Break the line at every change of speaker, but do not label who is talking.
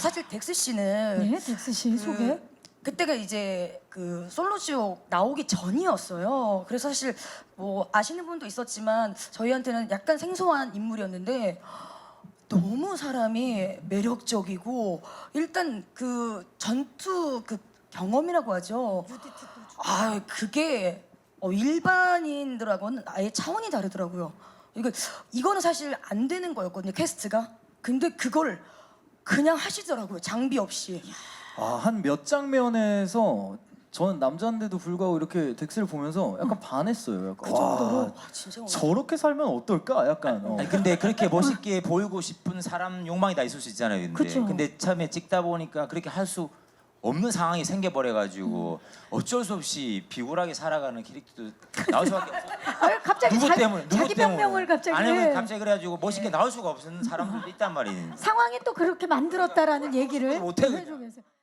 사실 덱스 씨는
네, 덱스 씨 소개.
그때가 이제 그 솔로지옥 나오기 전이었어요. 그래서 사실 뭐 아시는 분도 있었지만 저희한테는 약간 생소한 인물이었는데 너무 사람이 매력적이고 일단 그 전투 그 경험이라고 하죠. 아 그게 일반인들하고는 아예 차원이 다르더라고요. 이거는 사실 안 되는 거였거든요 캐스트가. 근데 그걸 그냥 하시더라고요 장비 없이.
한 몇 장면에서 저는 남자인데도 불구하고 이렇게 덱스를 보면서 약간 반했어요. 약간,
그 정도로
와,
와, 진짜
저렇게 살면 어떨까? 약간.
아니, 근데 그렇게 멋있게 보이고 싶은 사람 욕망이 다 있을 수 있잖아요. 근데
그쵸.
근데 처음에 찍다 보니까 그렇게 할 수 없는 상황이 생겨버려가지고 어쩔 수 없이 비굴하게 살아가는 캐릭터도 나올 수밖에 없어.
갑자기
누구 때문에? 누구
자기
때문에?
변명을 갑자기.
아니면 갑자기 그래가지고 멋있게 나올 수가 없는 사람들도 있단 말이에요.
상황이 또 그렇게 만들었다라는 얘기를
못해,
해주면서.